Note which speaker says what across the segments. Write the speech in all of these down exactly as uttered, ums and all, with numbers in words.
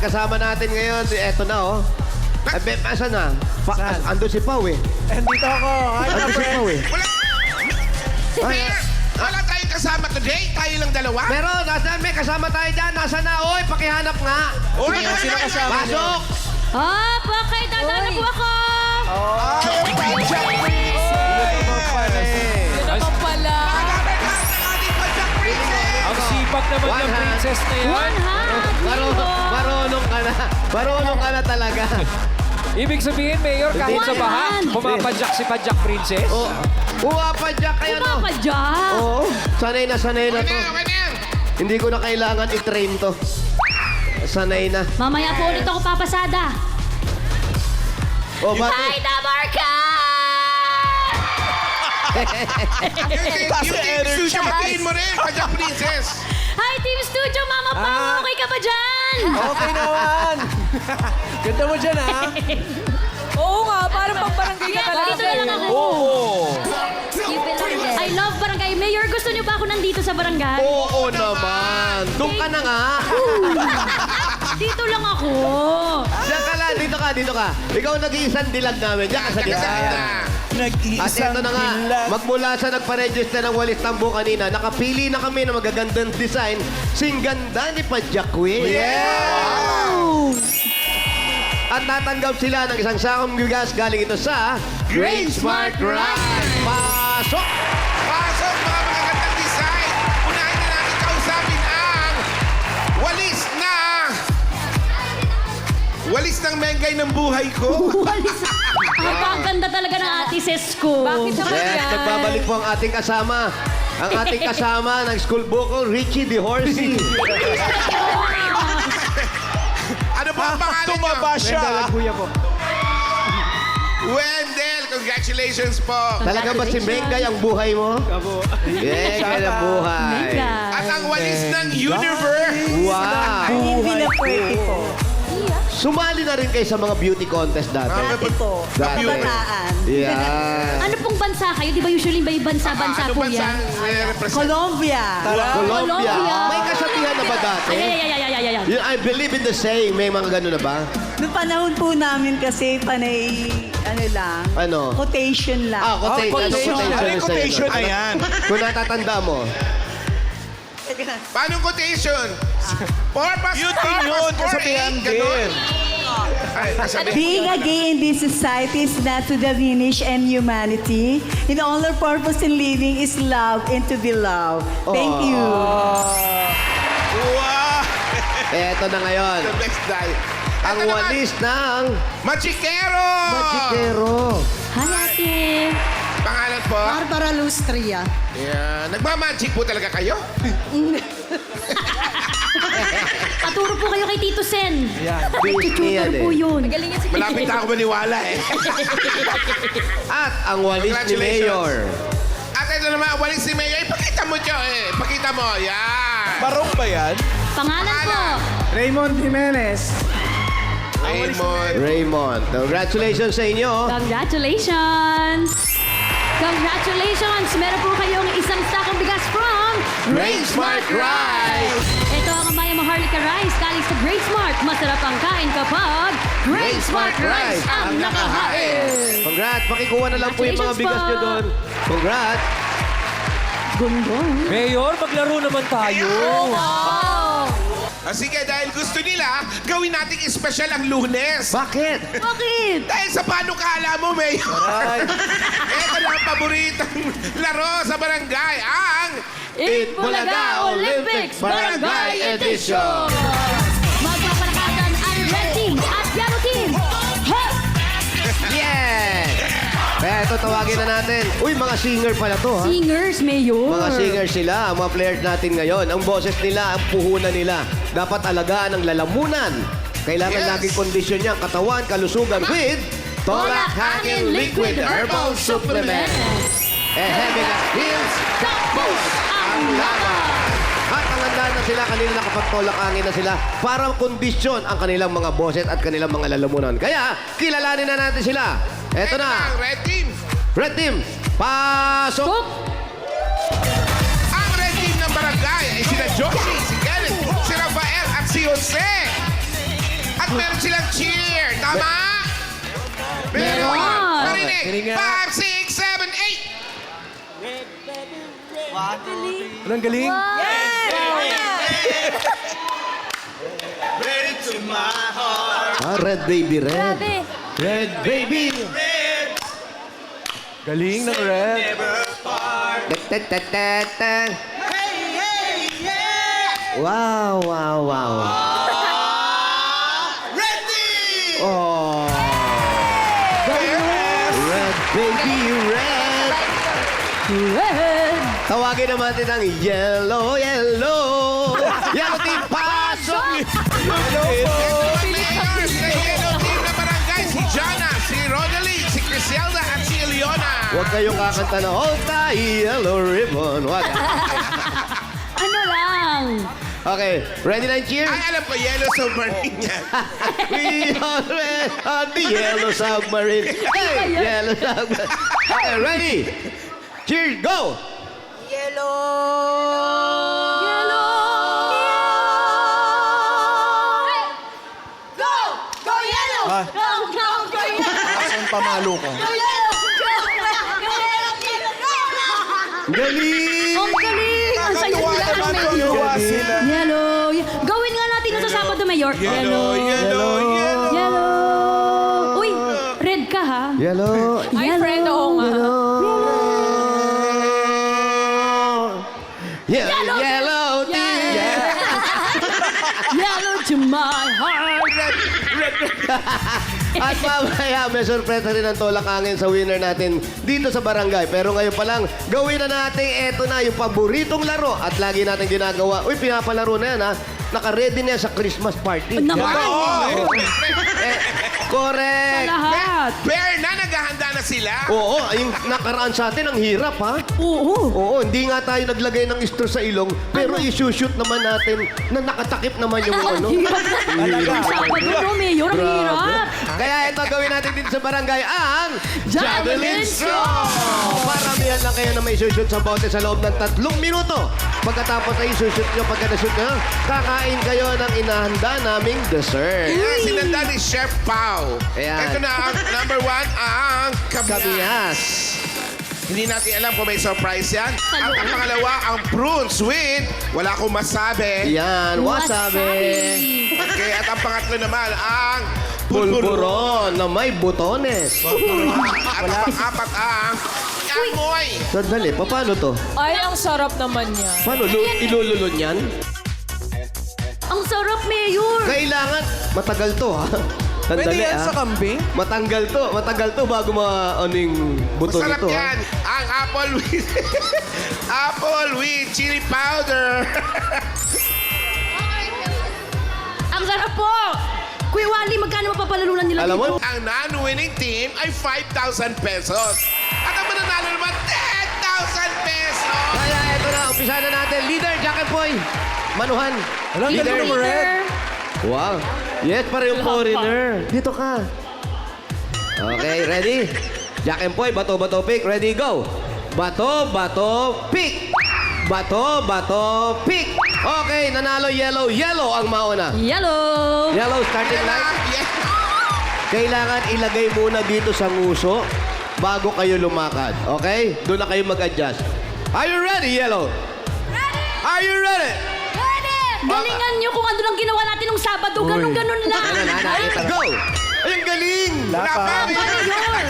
Speaker 1: kasama natin ngayon, eto na oh. Ay, be, asan na? Pa,
Speaker 2: Saan?
Speaker 1: as- ando si Pau eh.
Speaker 2: Andito ako. Hi,
Speaker 1: Ando
Speaker 2: my
Speaker 1: si
Speaker 2: friend.
Speaker 1: Pau eh.
Speaker 3: Wala. Mayor, wala tayong kasama today. Tayo lang dalawa.
Speaker 1: Meron, nasaan may kasama tayo dyan? Nasaan na? Oy, pakihanap nga.
Speaker 3: Uy,
Speaker 2: Sino- sino kasama?
Speaker 1: Pasok!
Speaker 4: Ah, bakit? Dadaan po ako!
Speaker 2: Ay, ang Pajak Prince!
Speaker 1: Naman pala eh.
Speaker 4: Yun naman pala.
Speaker 3: Pagkakaroon ng ating Pajak Princess.
Speaker 5: Ang sipag naman
Speaker 1: One
Speaker 5: ng
Speaker 1: hand.
Speaker 5: princess na yan.
Speaker 4: One hand!
Speaker 1: Maro, marunong ka na. Marunong ka na talaga.
Speaker 5: Ibig sabihin, Mayor, kahit sa
Speaker 4: One
Speaker 5: baha,
Speaker 4: hand.
Speaker 5: pumapadyak si Padyak Princess.
Speaker 1: Oh, umapadyak kayo no?
Speaker 4: Pumapadyak!
Speaker 1: Oo, sanay na sanay na
Speaker 3: Okay
Speaker 1: to.
Speaker 3: na, okay na yan.
Speaker 1: Hindi ko na kailangan i-train to. Sanay na.
Speaker 4: Mamaya po ulit ako papasada.
Speaker 1: Oh, bakit?
Speaker 4: Hi, Damarka!
Speaker 3: Yung
Speaker 2: Taas
Speaker 3: yung
Speaker 2: na
Speaker 3: team
Speaker 2: energy.
Speaker 3: studio, batiin mo rin, Pajak Princess.
Speaker 4: Hi, Team Studio! Mama pa!
Speaker 2: Ah.
Speaker 4: Okay ka ba dyan?
Speaker 2: Okay naman. Ganda mo dyan, ha?
Speaker 6: Oo nga, parang pang barangay ka talaga.
Speaker 4: Dito na lang ako.
Speaker 5: Oo.
Speaker 4: I love barangay. Mayor, gusto niyo ba ako nandito sa barangay?
Speaker 1: Oo naman. Doon ka na nga.
Speaker 4: Dito lang ako.
Speaker 1: Diyan ka lang, dito ka, dito ka. Ikaw nag-iisang dilag namin. Diyan ka sa
Speaker 3: Taga sa
Speaker 1: gitna.
Speaker 3: gitna.
Speaker 1: At
Speaker 2: Nag-iisang
Speaker 1: ito na nga,
Speaker 2: dilag.
Speaker 1: magmula sa nagpa-register ng Walis Tambo kanina, nakapili na kami ng magagandang design. Sing ganda ni Padyak Queen. At natanggap sila ng isang sakong bigas galing ito sa Great Smart Ride. Pasok!
Speaker 3: Pasok, mga magagandang design. Unahin na natin kausapin ang walis na... Walis ng mengay ng buhay ko.
Speaker 4: Walis. Ang paganda talaga ng ate sis ko.
Speaker 6: Bakit naman
Speaker 1: Yes,
Speaker 6: yan?
Speaker 1: nagbabalik po ang ating kasama. Ang ating kasama ng school vocal, Richie the Horsey.
Speaker 3: Ano po ang pangalan niyo?
Speaker 2: Tumaba siya.
Speaker 3: Wendell, congratulations po.
Speaker 1: Talaga ba si Mengay ang buhay mo? Mengay ang buhay.
Speaker 3: At ang walis ng universe.
Speaker 1: Wow!
Speaker 7: Hindi na pwede po.
Speaker 1: Sumali na rin kayo sa mga beauty contest dati.
Speaker 7: Dati po.
Speaker 1: Dati.
Speaker 7: Kabataan.
Speaker 1: Yeah.
Speaker 4: Ano pong bansa kayo? Di ba usually may bansa-bansa
Speaker 3: ano
Speaker 4: po
Speaker 3: bansa
Speaker 4: yan?
Speaker 3: ang represent?
Speaker 7: Colombia.
Speaker 1: Colombia.
Speaker 4: Colombia.
Speaker 1: May kasabihan na ba dati?
Speaker 4: Ay, ay, ay, ay, ay, ay, ay.
Speaker 1: Yun, I believe in the saying. May mga gano'n na ba?
Speaker 7: Noong panahon po namin kasi panay, ano lang,
Speaker 1: Ano?
Speaker 7: quotation lang.
Speaker 1: Ah, quotation.
Speaker 2: quotation.
Speaker 1: Ano
Speaker 2: Ano yung quotation na yan?
Speaker 1: Kung natatanda mo.
Speaker 3: Paano quotation? Purpose,
Speaker 2: Yun din
Speaker 3: purpose,
Speaker 2: yun,
Speaker 3: for
Speaker 2: kasabihan
Speaker 3: eight, ganun.
Speaker 2: din.
Speaker 3: Ay, kasabihan.
Speaker 7: Being a gay in this society is not to diminish and humanity. In all our purpose in living is love and to be loved. Thank you.
Speaker 3: Wow!
Speaker 1: Eto na ngayon.
Speaker 3: The best die.
Speaker 1: Ang
Speaker 3: Ito naman,
Speaker 1: walis ng
Speaker 3: Machikero!
Speaker 1: Magikero.
Speaker 4: Hi, ate.
Speaker 3: Pangalan po?
Speaker 7: Barbara Lustria.
Speaker 3: Yeah. Nagmamagic po talaga kayo?
Speaker 4: Paturo po kayo kay Tito Sen.
Speaker 1: Disney yan
Speaker 4: Tutor po
Speaker 1: eh.
Speaker 4: yun.
Speaker 6: Magaling yan si
Speaker 3: Malapit na ako maniwala eh.
Speaker 1: At ang walis ni
Speaker 3: Congratulations.
Speaker 1: Mayor.
Speaker 3: At ito naman, walis si Mayor. Ipakita mo siya eh. Pakita mo. Yan.
Speaker 2: Barong ba yan?
Speaker 4: Pangalan po.
Speaker 2: Raymond Jimenez.
Speaker 3: Raymond.
Speaker 1: Raymond. Congratulations sa inyo.
Speaker 4: Congratulations! Congratulations! Meron po kayong isang sakong bigas from
Speaker 1: Great Smart Rice!
Speaker 4: Ito ang Amaya Maharlika Rice galing sa Great Smart. Masarap ang kain kapag Great Smart Rice ang nakahain!
Speaker 1: Congrats. Pakikuha na lang po yung mga
Speaker 4: Congratulations
Speaker 1: bigas
Speaker 4: po.
Speaker 1: nyo doon. Congrats.
Speaker 4: Gunggong.
Speaker 5: Mayor, maglaro naman tayo.
Speaker 3: Ah, sige, dahil gusto nila, gawin nating espesyal ang Lunes.
Speaker 1: Bakit?
Speaker 4: Bakit?
Speaker 3: Dahil sa panukala mo, Mayor. Ito na ang paboritong laro sa barangay, ang...
Speaker 4: Eat Bulaga Olympics Barangay Edition! Magpapalakasan ang Red Team at Yellow Team! Hop!
Speaker 1: Yes! Kaya ito tawagin na natin. Uy, mga singer pala to, ha?
Speaker 4: Singers, Mayor!
Speaker 1: Mga singer sila, ang mga players natin ngayon. Ang boses nila, ang puhunan nila. Dapat alagaan ang lalamunan. Kailangan
Speaker 3: Yes.
Speaker 1: laging kondisyon niya ang katawan, kalusugan with Tolak Hangin Liquid Herbal Supplement. Eh, heavy na heels, tapos ang laban. At ang handa na sila, kanila nakapagtolak hangin na sila para kondisyon ang kanilang mga boses at kanilang mga lalamunan. Kaya, kilalanin na natin sila. Eto
Speaker 3: Ito
Speaker 1: na,
Speaker 3: ang Red Team.
Speaker 1: Red Team, pasok!
Speaker 4: Hop!
Speaker 3: Ang Red Team ng barangay ay sina Josie, si Kenneth, si Rafael at si Jose. At meron silang cheer. Tama? Meron.
Speaker 4: Meron.
Speaker 3: Marinig.
Speaker 2: Marinig nga.
Speaker 3: Five, six, seven, eight.
Speaker 2: Anong galing?
Speaker 1: Ah, red baby, red.
Speaker 4: Grabe.
Speaker 1: Red baby.
Speaker 2: Galing ng red.
Speaker 1: Ta-ta-ta-ta. Wow, wow, wow. Ready! Oh. Red baby, red.
Speaker 4: Red.
Speaker 1: Tawagin naman natin ang yellow, yellow. Yellow team, pasok!
Speaker 3: Ito ang players ng yellow team na barangay. Si Jana, si Rodalie, si Criselda, at si Eliona.
Speaker 1: Huwag kayong kakanta na hold the yellow ribbon. Huwag.
Speaker 4: Ano lang?
Speaker 1: Okay, ready na yung cheer?
Speaker 3: Ay, alam ko, yellow submarine yan.
Speaker 1: We are red on the yellow submarine. Hey, yellow submarine. Okay, ready? Cheers, go!
Speaker 4: Yellow. Go! Go yellow!
Speaker 2: Ah.
Speaker 4: Go, go, go yellow!
Speaker 2: Asan pamalo ko?
Speaker 4: Go yellow! Go, go yellow!
Speaker 1: Galing!
Speaker 4: Ang galing! Ang saya
Speaker 2: Kakatuwa
Speaker 4: nila
Speaker 2: naman
Speaker 4: ng
Speaker 2: kung
Speaker 4: Mayor.
Speaker 2: gawa sila.
Speaker 4: Yellow. ye- Gawin nga natin ito sa Sabado, Mayor.
Speaker 3: Yellow, yellow, yellow.
Speaker 4: Yellow. Uy, red ka ha?
Speaker 1: Yellow.
Speaker 6: Ay, friend, oo nga.
Speaker 1: Yellow, yellow team.
Speaker 4: Yellow to my heart.
Speaker 1: At mamaya, may sorpresa rin ang tolak angin sa winner natin dito sa barangay. Pero ngayon pa lang, gawin na natin eto na yung paboritong laro. At lagi natin ginagawa. Uy, pinapalaro na yan ha. Naka-ready na yan sa Christmas party.
Speaker 4: Naman.
Speaker 1: Eh, correct.
Speaker 4: Lahat.
Speaker 3: Bear na, naghahanda na sila.
Speaker 1: Oo, yung nakaraan sa atin, ang hirap ha.
Speaker 4: Oo.
Speaker 1: Oo, hindi nga tayo naglagay ng istro sa ilong, pero isushoot naman natin na nakatakip naman yung ano.
Speaker 4: Ang Sabado, no, Mayor. Ang hirap.
Speaker 1: Kaya ito gawin natin dito sa barangay ang
Speaker 4: Javelin
Speaker 1: Straw! Paramihan lang kayo na may isushoot sa bote sa loob ng tatlong minuto. Pagkatapos na isushoot nyo, pagka na-shoot nyo, kakain kayo ng inahanda naming dessert.
Speaker 3: Ayan, sinanda ni Chef Pau.
Speaker 1: Ayan.
Speaker 3: Ito na ang number one, ang kabias.
Speaker 1: Kabias.
Speaker 3: Hindi natin alam kung may surprise yan.
Speaker 4: Sa
Speaker 3: At ang
Speaker 4: loob.
Speaker 3: pangalawa, ang prunes with wala akong masabi.
Speaker 1: Yan, wasabi.
Speaker 3: Okay, at ang pangatlo naman, ang pulburon.
Speaker 1: Pulburon na may butones.
Speaker 3: At ang pang-apat, ang amoy.
Speaker 1: Sandali, pa- paano to?
Speaker 6: Ay, ang sarap naman niya.
Speaker 1: Paano? Lu- ilululun yan?
Speaker 4: Ang sarap, Mayor.
Speaker 1: Kailangan, matagal to ha. Sandali
Speaker 2: Pwede yan
Speaker 1: ha.
Speaker 2: sa kambing?
Speaker 1: Matanggal to, matagal to bago ma ano yung buto
Speaker 3: Masarap
Speaker 1: nito ha.
Speaker 3: yan. Ang apple with apple with chili powder.
Speaker 4: Ang sarap po. Kuya Wally, magkano mapapalalunan nila
Speaker 1: Alam mo,
Speaker 4: dito?
Speaker 3: Ang non-winning team ay five thousand pesos. At ang mananalo naman, ten thousand pesos.
Speaker 1: kaya eto na, umpisa na natin. Leader, Jack and Poy. Manuhan.
Speaker 2: Anong
Speaker 1: Leader.
Speaker 2: galing ng red?
Speaker 1: Wow. Yes, para yung foreigner. Dito ka. Okay, ready? Jack and Poy, bato, bato, pick. Ready, go. Bato, bato, pick. Bato, bato, pick. Okay, nanalo yellow. Yellow ang mauna.
Speaker 4: Yellow.
Speaker 1: Yellow starting
Speaker 3: Yan
Speaker 1: line.
Speaker 3: lang. Yes.
Speaker 1: Kailangan ilagay muna dito sa nguso bago kayo lumakad. Okay? Doon na kayo mag-adjust. Are you ready, Yellow?
Speaker 4: Ready?
Speaker 1: Are you ready?
Speaker 4: Ready? Galingan nyo kung ano lang ginawa natin nung Sabado. Ganun-ganun lang.
Speaker 1: Ano na, nakita. Go! Ay, ang galing!
Speaker 2: Wala pa.
Speaker 3: Wala pa.
Speaker 4: Mayor.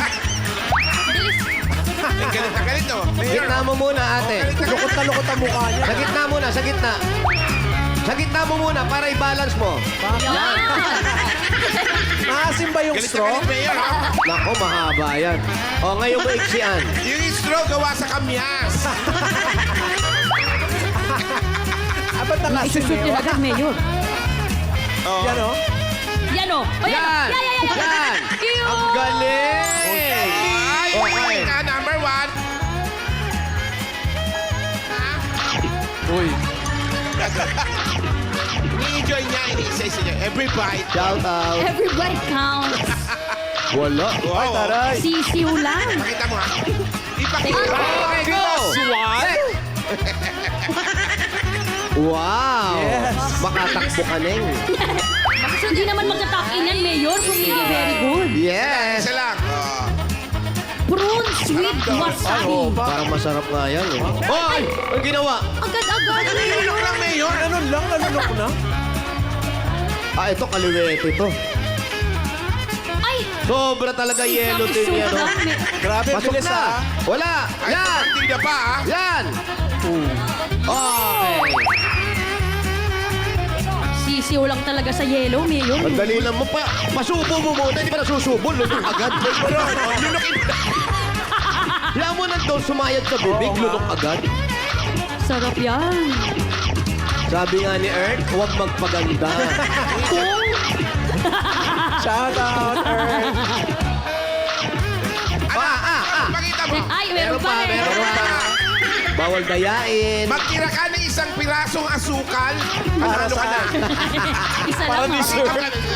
Speaker 3: Ang galit na galit, no?
Speaker 1: Gitna mo muna, ate.
Speaker 2: Lukot na lukot ang mukha niya.
Speaker 1: Sa gitna muna, sa gitna. Sa gitna mo muna para i-balance mo.
Speaker 2: Maasim ba yung
Speaker 3: Galit na
Speaker 2: straw?
Speaker 3: galit, Mayor, ha?
Speaker 1: Nako, mahaba yan. O, ngayon mo iksian.
Speaker 3: Yung straw gawa sa kamyas.
Speaker 2: Ah, ba't nakasim
Speaker 4: Isushoot nyo
Speaker 2: yun?
Speaker 4: agad, Mayor.
Speaker 2: Yan o.
Speaker 4: Yan o. O, yan.
Speaker 1: Yan!
Speaker 4: Yan, yan, yan.
Speaker 1: Yan!
Speaker 4: Ew.
Speaker 1: Ang galing!
Speaker 3: Ay,
Speaker 1: Okay.
Speaker 3: na, number one.
Speaker 2: Uy.
Speaker 3: Ni-enjoy niya, ini-isa-isa niya. Every bite.
Speaker 1: Shout out.
Speaker 4: Everybody counts.
Speaker 1: Wala.
Speaker 2: Ay, taray.
Speaker 4: Sisiw lang.
Speaker 3: Pakita mo, ha? Ipakita.
Speaker 1: Okay, go! Wow!
Speaker 2: Yes.
Speaker 1: Makatakbo ka, Neng.
Speaker 4: So, hindi naman magka-top in yan, Mayor, kung hindi very good.
Speaker 1: Yes!
Speaker 3: Isa lang. Oh.
Speaker 4: Prunes with wasabi.
Speaker 1: Parang masarap nga yan eh. Hoy! Ang ginawa?
Speaker 4: Agad-agad,
Speaker 3: Nilunok lang, Mayor.
Speaker 2: Ano lang, nanunok na?
Speaker 1: Ah, ito kaliwete to.
Speaker 4: Ay!
Speaker 1: Sobra talaga yellow tin yan. oh.
Speaker 4: Sobrang may-
Speaker 2: Grabe,
Speaker 1: Pasok
Speaker 2: bilis
Speaker 1: na!
Speaker 2: ah.
Speaker 1: Wala!
Speaker 3: Ay,
Speaker 1: Yan!
Speaker 3: partida pa, ah.
Speaker 1: Yan! Okay.
Speaker 4: Sisiw lang talaga sa yellow, Mayor.
Speaker 1: Ang dali lang mo pa. Pasubo mo muna. Hindi pa nasusubol. Lunok agad.
Speaker 3: Lunokin mo.
Speaker 1: Kailangan mo nandun sumayad sa bibig. Lunok agad.
Speaker 4: Sarap yan.
Speaker 1: Sabi nga ni Earth, huwag magpaganda.
Speaker 2: Shout out, Earth.
Speaker 3: Ano?
Speaker 1: Ah, ah, ah.
Speaker 3: Pakita mo.
Speaker 4: Ay, meron pa eh.
Speaker 1: meron pa. Bawal dayain.
Speaker 3: Magtira ka ng isang pirasong asukal. Panalo ka na.
Speaker 4: Isa
Speaker 2: Para
Speaker 4: lang.
Speaker 2: ni Sir.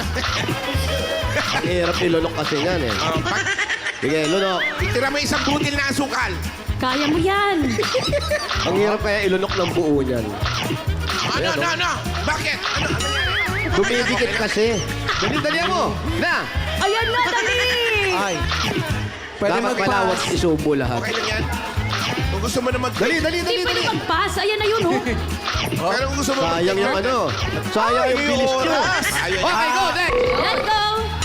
Speaker 1: Ang hirap ilunok kasi yan eh.
Speaker 3: Oh, pag
Speaker 1: Sige, lunok.
Speaker 3: itira mo isang butil na asukal.
Speaker 4: Kaya mo yan.
Speaker 1: Ang hirap kaya ilunok ng buo niyan.
Speaker 3: Ano, ano, ano? Bakit? Ano, ano yan?
Speaker 1: Dumidikit kasi. Dali-dali mo. Na!
Speaker 4: Ayan na, dali.
Speaker 2: Ay. Pwede
Speaker 1: Dapat pala huwag
Speaker 2: mag-pass.
Speaker 1: isubo lahat.
Speaker 3: Okay lang yan. Kung gusto mo na mag...
Speaker 1: Dali, dali, dali,
Speaker 4: Hindi pwede
Speaker 1: dali.
Speaker 4: mag-pass. Ayan na yun, oh.
Speaker 3: Pero kung gusto mo
Speaker 1: Sayang yung ano. Sayang yung
Speaker 2: Ay,
Speaker 1: bilis nyo.
Speaker 2: oras.
Speaker 3: Ayun.
Speaker 1: Okay, go, next.
Speaker 4: Let's go.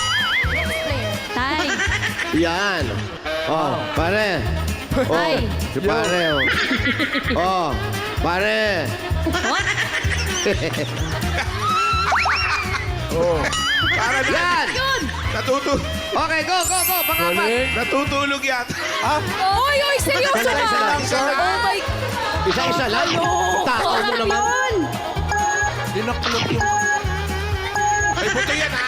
Speaker 4: Tay.
Speaker 1: Yan. Oh, pare. Oh,
Speaker 4: Ay.
Speaker 1: si pare. Oh. Oh, pare.
Speaker 4: What?
Speaker 3: Para na.
Speaker 1: Yan.
Speaker 4: Yun.
Speaker 3: Natutu
Speaker 1: Okay, go, go, go. Pangapat.
Speaker 2: Ulit.
Speaker 3: natutulog yata.
Speaker 6: Oy, oy, seryoso
Speaker 2: Isa lang, isa
Speaker 6: ka.
Speaker 2: lang,
Speaker 3: Isa lang.
Speaker 6: Oh my...
Speaker 1: Isa-isa lang. Takaw mo
Speaker 4: Sarap
Speaker 1: naman.
Speaker 4: yun.
Speaker 2: Dinaklog yung...
Speaker 3: May buto yan, ha?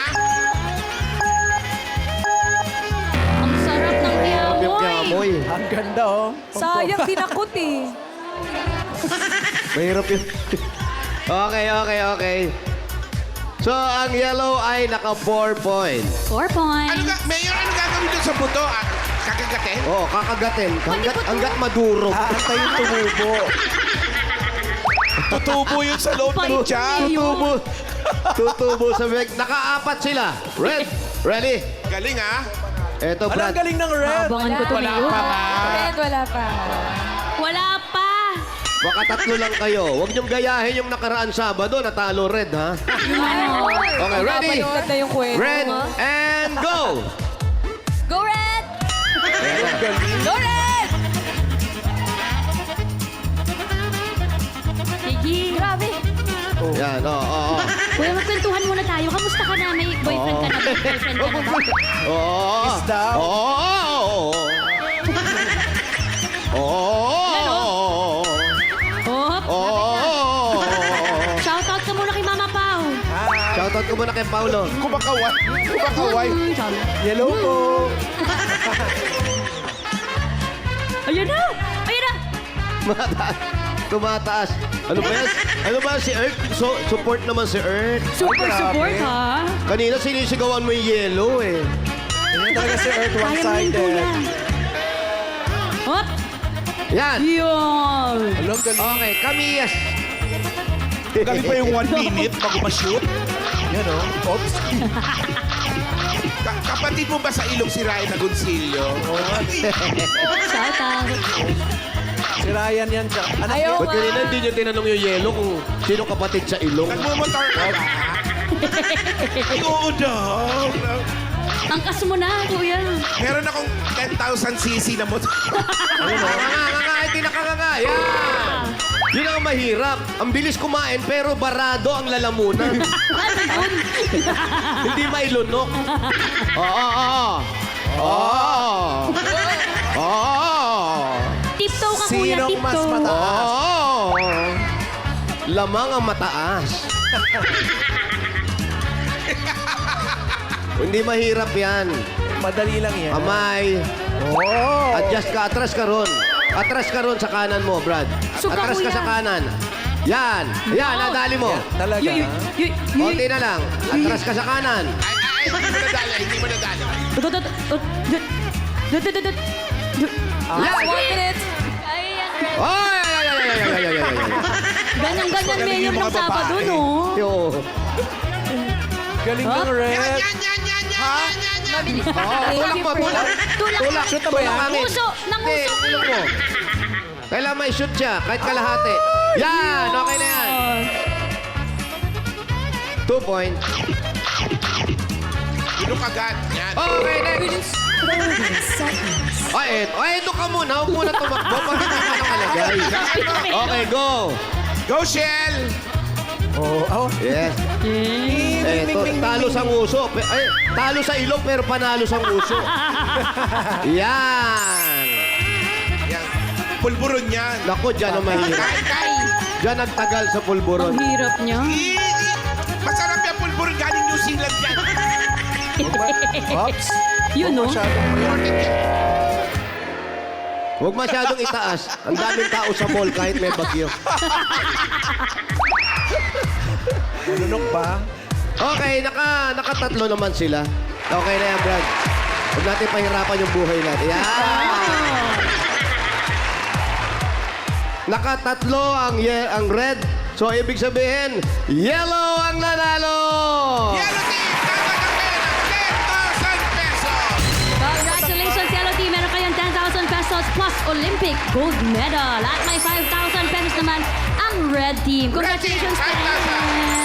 Speaker 4: Ang sarap ng
Speaker 1: Yung
Speaker 4: kiamoy.
Speaker 1: kiamoy.
Speaker 2: Ang ganda, oh.
Speaker 6: Sayang, dinakot eh.
Speaker 1: Mahirap yun. Okay, okay, okay. So, ang yellow ay naka four points.
Speaker 4: Four
Speaker 3: Ano
Speaker 4: points.
Speaker 3: ga, Mayor, ano gagawin doon sa buto? Ah, kakagatin?
Speaker 1: Oh, kakagatin. Hanggat,
Speaker 4: Pati po-
Speaker 1: hanggat madurog.
Speaker 2: Aantayin tumubo. Tutubo yun sa loob ng
Speaker 4: Pait
Speaker 2: tiyan.
Speaker 4: na yun.
Speaker 1: Tutubo. Tutubo sa bag. Nakaapat sila. Red. Ready?
Speaker 3: Galing, ha?
Speaker 1: Eto,
Speaker 2: Ano
Speaker 1: Brad.
Speaker 2: ang galing ng red?
Speaker 4: Abangan ko to, Mayor.
Speaker 6: Red, wala pa.
Speaker 4: Wala pa.
Speaker 1: Baka tatlo lang kayo. Huwag niyong gayahin yung nakaraan Sabado. Natalo Red, ha? Okay, ready?
Speaker 6: Napanood na yung kwento.
Speaker 1: Red and go!
Speaker 6: Go Red!
Speaker 2: Ang galing.
Speaker 6: Go Red!
Speaker 4: Sige. Grabe.
Speaker 1: Yan, oo, oo.
Speaker 4: Kuya, magkwentuhan muna tayo. Kamusta ka na? May boyfriend ka na ba? Girlfriend ka na ba?
Speaker 1: Oo.
Speaker 2: Kiss daw.
Speaker 1: Oo. Oo. Oo.
Speaker 4: Hop.
Speaker 1: Oo.
Speaker 4: Shoutout ka muna kay Mama Pao.
Speaker 1: Shoutout ko muna kay Paulo.
Speaker 3: Kumakaway. Kumakaway.
Speaker 4: Mm, sabi.
Speaker 2: Yellow po.
Speaker 4: Ayan na! Ayan na!
Speaker 1: Tumataas. Tumataas. Ano ba yan? Ano ba si Earth? So, support naman si Earth.
Speaker 4: Super
Speaker 2: grabe.
Speaker 4: support, ha?
Speaker 1: Kanina sinisigawan mo yung yellow eh.
Speaker 2: Ganyan talaga si Earth
Speaker 4: Kaya mo yun,
Speaker 2: one-sided.
Speaker 4: kuya. Hop!
Speaker 1: Yan.
Speaker 4: Yun!
Speaker 2: Alam, galing.
Speaker 1: Okay, Kamiyas.
Speaker 3: Galing pa yung one minute bago ma-shoot.
Speaker 2: Yan, oh. Oops.
Speaker 3: Ka- kapatid mo ba sa ilong si Ryan Agoncillo?
Speaker 4: Shoutout.
Speaker 2: Si Ryan yan siya. Anak
Speaker 6: Ayaw
Speaker 2: niya.
Speaker 1: Ba't kanina hindi niyo tinanong yung yellow kung sino kapatid sa ilong?
Speaker 3: Nagmumotor ka ba? Ay, oo daw.
Speaker 4: Ang kas mo na, kuya.
Speaker 3: Meron akong ten thousand cc na motor.
Speaker 1: Ano nga, nga, nga, nga, hindi nakakanga. Yan! Yun ang mahirap. Ang bilis kumain pero barado ang lalamunan.
Speaker 4: Ano yun?
Speaker 1: Hindi mailunok. Oo, oo, oo. Oo. Oo.
Speaker 4: Tiptoe ka, kuya.
Speaker 2: Sinong mas
Speaker 4: Tiptoe.
Speaker 2: mataas?
Speaker 1: Oo. Lamang ang mataas. Hindi mahirap yan.
Speaker 2: Madali lang yan.
Speaker 1: Kamay.
Speaker 2: Oh.
Speaker 1: Adjust ka. Atras ka ron. Atras ka ron sa kanan mo, Brad.
Speaker 4: Suka,
Speaker 1: Atras ka
Speaker 4: kuya.
Speaker 1: sa kanan. Yan. Yan, nadali mo.
Speaker 2: Talaga.
Speaker 4: Yuy, yuy, yuy, yuy.
Speaker 1: Konti na lang. Atras ka sa kanan.
Speaker 3: Ay, ay, hindi mo nadali. Hindi mo nadali.
Speaker 4: Tut, tut, tut, tut, tut, tut, tut, tut.
Speaker 1: Yan.
Speaker 6: One minute.
Speaker 1: Ay, ay, ay, ay, ay, ay, ay, ay, ay.
Speaker 4: Ganyan-ganyan
Speaker 3: Magaling
Speaker 4: mayor
Speaker 3: yung
Speaker 4: ng
Speaker 3: mga
Speaker 4: Sabado,
Speaker 3: babae.
Speaker 4: no?
Speaker 1: Yo.
Speaker 2: Galing ng
Speaker 3: Yan,
Speaker 2: red.
Speaker 3: yan, yan, yan, yan, yan, yan, yan.
Speaker 4: Mabilis.
Speaker 1: Oh, tulak mo, tulak.
Speaker 4: Tulak.
Speaker 1: Tulak.
Speaker 2: Shoot na ba yan?
Speaker 1: Tulak hangin.
Speaker 4: Nanguso, nanguso.
Speaker 1: Hindi, tulak mo. Kailangan may shoot siya, kahit kalahati. Yan, okay na yan. Two point.
Speaker 3: Ilok agad. Yan.
Speaker 1: Okay, next. Ay, eto. Ay, eto ka muna. Huwag muna tumakbo. Pag hindi ka nakalagay. Okay, go.
Speaker 3: Go, Shell!
Speaker 2: Oh, oh.
Speaker 1: Yes. Eto, talo sa nguso. Pe- Ay, talo sa ilong pero panalo sa nguso. Yan.
Speaker 3: Yan. Pulburon yan.
Speaker 1: Naku, dyan ang mahirap.
Speaker 3: Kain, kain.
Speaker 1: Dyan nagtagal sa pulburon.
Speaker 4: Ang hirap niya.
Speaker 3: I- i- Masarap yung pulburon galing New Zealand yan.
Speaker 2: Oops.
Speaker 4: Yun, no?
Speaker 1: Huwag masyadong itaas. Ang daming tao sa mall kahit may bagyo.
Speaker 2: Manunok ba?
Speaker 1: Okay, naka, nakatatlo naman sila. Okay na yan, Brad. Huwag natin pahirapan yung buhay natin. Yan. Nakatatlo ang, ye- ang red. So, ibig sabihin, yellow ang nanalo!
Speaker 3: Yellow team, tatanggapin ng ten thousand pesos.
Speaker 4: Congratulations, Yellow Team. Meron kayong ten thousand pesos plus Olympic gold medal. At may five thousand pesos naman ang Red Team.
Speaker 3: Red Team,
Speaker 4: Congratulations,
Speaker 3: five thousand.
Speaker 4: Ken.